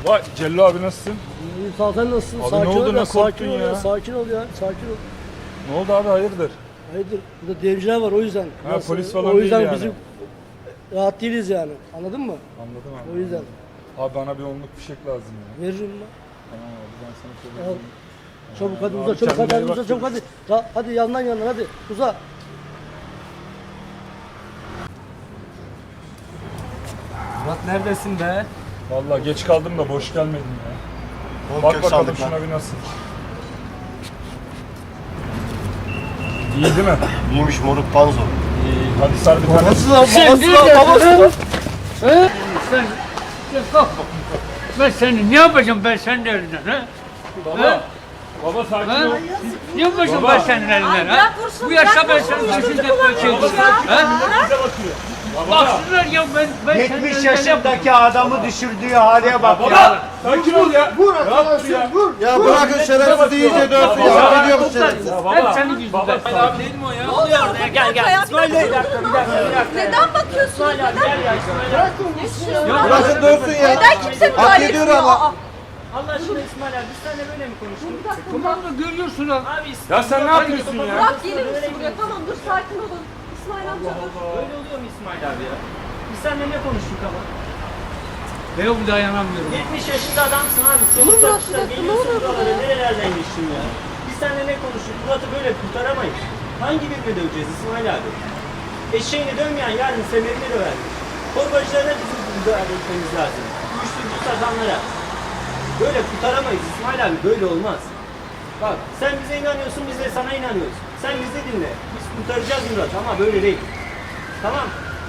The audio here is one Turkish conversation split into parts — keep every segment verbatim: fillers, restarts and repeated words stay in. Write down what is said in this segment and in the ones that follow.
Vay Cello abi nasılsın? İyi sağ sen nasılsın? Abi sakin ne oldu, ol ya, nasıl sakin korktun ol ya. ya? Sakin ol ya, sakin ol. Ne oldu abi hayırdır? Hayırdır, burada devciler var o yüzden. Ha, Biraz- polis falan o yüzden değil yani. bizim rahat değiliz yani. Anladın mı? Anladım abi. O yüzden. Abi bana bir onluk fişek lazım ya. Veririm ben. Tamam abi ben sana şöyle Al. vereyim. Çabuk hadi Abi uza, çabuk hadi, kendine hadi iyi uza, bak, çabuk hadi. Ta- hadi yandan yandan hadi, uza. Murat neredesin be? Vallahi geç kaldım da boş gelmedim ya. Bol Bak kök bakalım saldık lan. şuna bir nasıl. İyi değil mi? İyiymiş moruk panzo. İyi. Hadi sar bir tane. Babası lan, Sen babası lan, nerede? babası lan. He? Sen, sen kalk bakayım. Ben seni ne yapacağım ben senin elinden ha? Baba. Baba sakin Ha? ol. Ne yapacağım Baba. ben senin elinden Ay, ha? bırak vursun, Bu yaşta ben bırak senin vursun, başını çocuk dökmek olur için. ya. Ha? Bize bakıyor. Baba. Baksınlar ya ben, ben senin yetmiş elinden yaşındaki adamı düşürdüğü hale bak ya. Baba. Sakin ol ya. Vur arkadaşım ya. Vur. Ya bırakın şerefsiz iyice dönsün ya. Baba. Ne diyor bu şerefsiz? Ya Hep baba. senin yüzünden. Baba. Abi değil mi o ya? Ne oluyor orada? Gel gel. İsmail Bey. Bir dakika, bir dakika, bir dakika. Neden bakıyorsunuz? Neden? Neden? Bırakın dönsün ya. Neden kimse Hak müdahale ediyor etmiyor? ama. Aa, Allah aşkına İsmail abi biz seninle böyle mi konuştuk? bir dakika. Tamam da görüyorsun ha. Abi Ya sen ne yapıyorsun ya? Bırak gelir misin buraya? Tamam dur sakin olun. İsmail amca dur. böyle oluyor mu İsmail abi ya? Biz seninle ne konuştuk ama? Ben o dayanamıyorum. yetmiş yaşında adamsın abi. Dur Soluk Murat, satışta bir dakika, ne geliyorsun oluyor buralara burada? nerelerden geçtin ya? Biz seninle ne konuştuk? Murat'ı böyle kurtaramayız. Hangi birini döveceğiz İsmail abi? Eşeğini dövmeyen yarın semerini dövermiş. Torbacılara bizim müdahale etmemiz lazım. Uyuşturucu satanlara. Böyle kurtaramayız İsmail abi, böyle olmaz. Bak sen bize inanıyorsun, biz de sana inanıyoruz. Sen bizi dinle. Biz kurtaracağız Murat ama böyle değil. Tamam.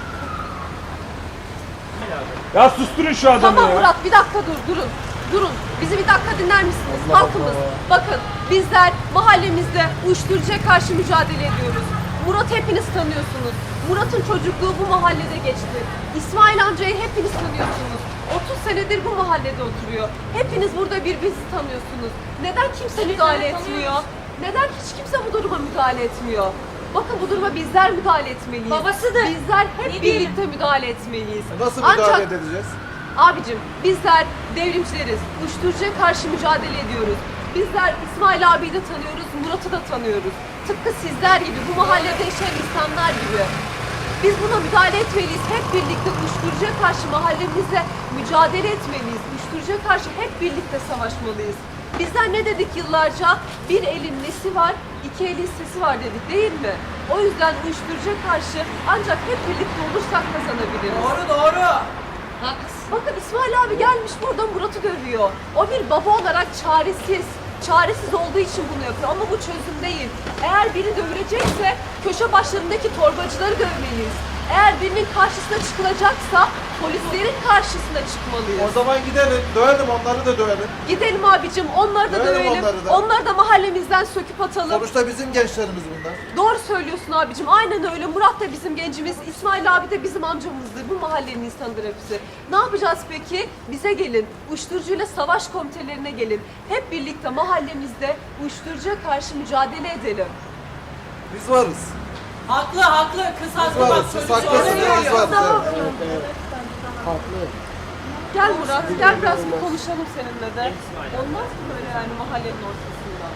Ya susturun şu adamı Tamam ya. Murat bir dakika dur durun. Durun. Bizi bir dakika dinler misiniz? Halkımız. Bakın bizler mahallemizde uyuşturucuya karşı mücadele ediyoruz. Murat hepiniz tanıyorsunuz. Murat'ın çocukluğu bu mahallede geçti. İsmail amcayı hepiniz tanıyorsunuz. otuz senedir bu mahallede oturuyor. Hepiniz burada birbirinizi tanıyorsunuz. Neden kimse müdahale etmiyor? Neden hiç kimse bu duruma müdahale etmiyor? Bakın bu duruma bizler müdahale etmeliyiz. Babasıdır. Bizler hep Ne birlikte müdahale etmeliyiz. Nasıl Ancak müdahale edeceğiz? abicim bizler devrimcileriz. Uyuşturucuya karşı mücadele ediyoruz. Bizler İsmail abiyi de tanıyoruz, Murat'ı da tanıyoruz. Tıpkı sizler gibi, bu mahallede yaşayan insanlar gibi. Biz buna müdahale etmeliyiz. Hep birlikte uyuşturucuya karşı mahallemizde mücadele etmeliyiz. Uyuşturucuya karşı hep birlikte savaşmalıyız. Bizler ne dedik yıllarca? Bir elin nesi var, iki elin sesi var dedik değil mi? O yüzden uyuşturucuya karşı ancak hep birlikte olursak kazanabiliriz. Doğru doğru. Bakın İsmail abi gelmiş burada Murat'ı dövüyor. O bir baba olarak çaresiz. Çaresiz olduğu için bunu yapıyor ama bu çözüm değil. Eğer biri dövülecekse köşe başlarındaki torbacıları dövmeliyiz. Eğer birinin karşısına çıkılacaksa polislerin karşısına çıkmalıyız. O zaman gidelim, dövelim onları da dövelim. Gidelim abicim onları da Dövelim dövelim. onları da. Onları da mahallemizden söküp atalım. Sonuçta bizim gençlerimiz bunlar. Doğru söylüyorsun abicim. Aynen öyle. Murat da bizim gencimiz. İsmail abi de bizim amcamızdır. Bu mahallenin insanıdır hepsi. Ne yapacağız peki? Bize gelin. Uyuşturucuyla savaş komitelerine gelin. Hep birlikte mahallemizde uyuşturucuya karşı mücadele edelim. Biz varız. Haklı haklı kız Biz haklı bak varız. Siz çocuk haklısınız, söylüyor. biz varız. Evet. Haklı. Gel Murat, gel biraz bir konuşalım seninle de. Olmaz mı böyle yani mahallenin ortasında?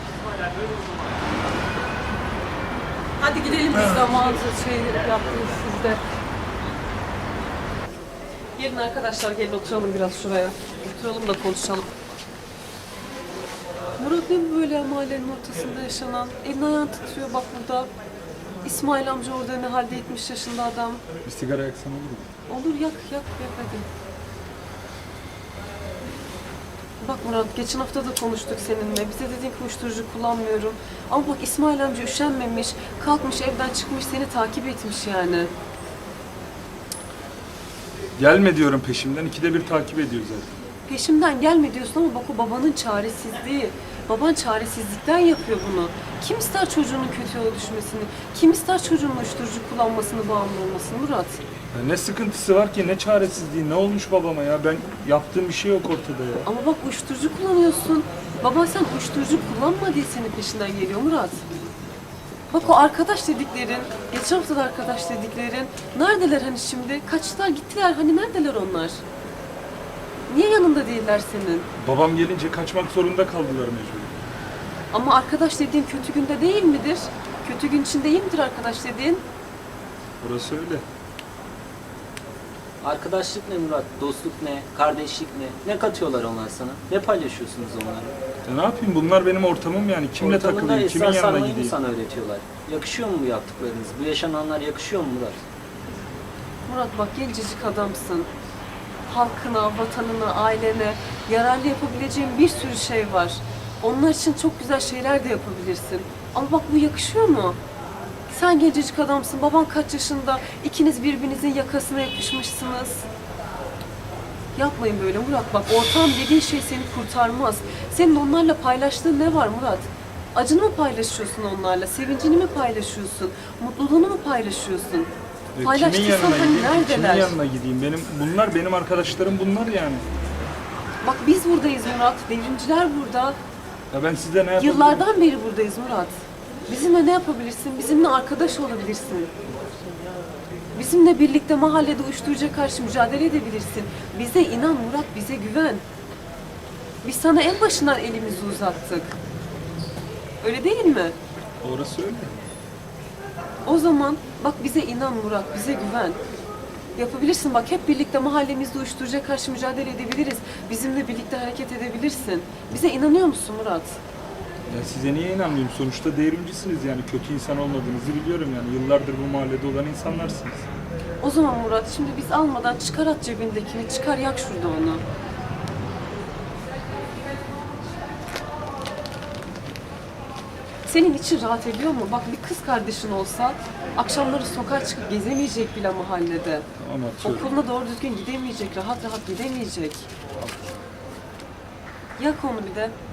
Hadi gidelim biz zamanınızı şey yaptınız siz de. Gelin arkadaşlar, gelin oturalım biraz şuraya. Oturalım da konuşalım. Murat ne bu böyle mahallenin ortasında yaşanan? Elini ayağını titriyor bak burada. İsmail amca orada ne halde yetmiş yaşında adam. Bir sigara yaksan olur mu? Olur yak yak yak hadi. Bak Murat geçen hafta da konuştuk seninle. Bize dedin ki uyuşturucu kullanmıyorum. Ama bak İsmail amca üşenmemiş. Kalkmış evden çıkmış seni takip etmiş yani. Gelme diyorum peşimden. İkide bir takip ediyor zaten. Peşimden gelme diyorsun ama bak o babanın çaresizliği. Baban çaresizlikten yapıyor bunu. Kim ister çocuğunun kötü yola düşmesini? Kim ister çocuğunun uyuşturucu kullanmasını, bağımlı olmasını Murat? Ya ne sıkıntısı var ki, ne çaresizliği, ne olmuş babama ya? Ben yaptığım bir şey yok ortada ya. Ama bak uyuşturucu kullanıyorsun. Baban sen uyuşturucu kullanma diye senin peşinden geliyor Murat. Bak o arkadaş dediklerin, geçen hafta da arkadaş dediklerin, neredeler hani şimdi? Kaçtılar gittiler, hani neredeler onlar? Niye yanında değiller senin? Babam gelince kaçmak zorunda kaldılar mecbur. Ama arkadaş dediğin kötü günde değil midir? Kötü gün için değil midir arkadaş dediğin? Burası öyle. Arkadaşlık ne Murat? Dostluk ne? Kardeşlik ne? Ne katıyorlar onlar sana? Ne paylaşıyorsunuz onlarla? Ya ne yapayım, bunlar benim ortamım yani. Kimle Ortamında takılayım, kimin esrar yanına sarmayı mı gideyim? sana öğretiyorlar? Yakışıyor mu bu yaptıklarınız? Bu yaşananlar yakışıyor mu Murat? Murat bak gencecik adamsın. Halkına, vatanına, ailene yararlı yapabileceğin bir sürü şey var. Onlar için çok güzel şeyler de yapabilirsin. Ama bak bu yakışıyor mu? Sen gencecik adamsın, baban kaç yaşında, ikiniz birbirinizin yakasına yapışmışsınız. Yapmayın böyle Murat, bak ortam dediğin şey seni kurtarmaz. Senin onlarla paylaştığın ne var Murat? Acını mı paylaşıyorsun onlarla, sevincini mi paylaşıyorsun, mutluluğunu mu paylaşıyorsun? E, Paylaştıysan kimin yanına hani gideyim? Kimin neredeler? yanına gideyim? Benim bunlar benim arkadaşlarım bunlar yani. Bak biz buradayız Murat, devrimciler burada. Ya ben size ne yapabilirim? Yıllardan beri buradayız Murat. Bizimle ne yapabilirsin? Bizimle arkadaş olabilirsin. Bizimle birlikte mahallede uyuşturucuya karşı mücadele edebilirsin. Bize inan Murat, bize güven. Biz sana en başından elimizi uzattık. Öyle değil mi? Orası öyle. O zaman bak bize inan Murat, bize güven. Yapabilirsin bak, hep birlikte mahallemizde uyuşturucuya karşı mücadele edebiliriz. Bizimle birlikte hareket edebilirsin. Bize inanıyor musun Murat? Ya size niye inanmayayım? Sonuçta devrimcisiniz yani. Kötü insan olmadığınızı biliyorum yani. Yıllardır bu mahallede olan insanlarsınız. O zaman Murat şimdi biz almadan çıkar at cebindekini, çıkar yak şurada onu. Senin için rahat ediyor mu? Bak bir kız kardeşin olsa akşamları sokağa çıkıp gezemeyecek bile mahallede. Ama atıyorum. Okuluna doğru düzgün gidemeyecek, rahat rahat gidemeyecek. Yak onu bir de.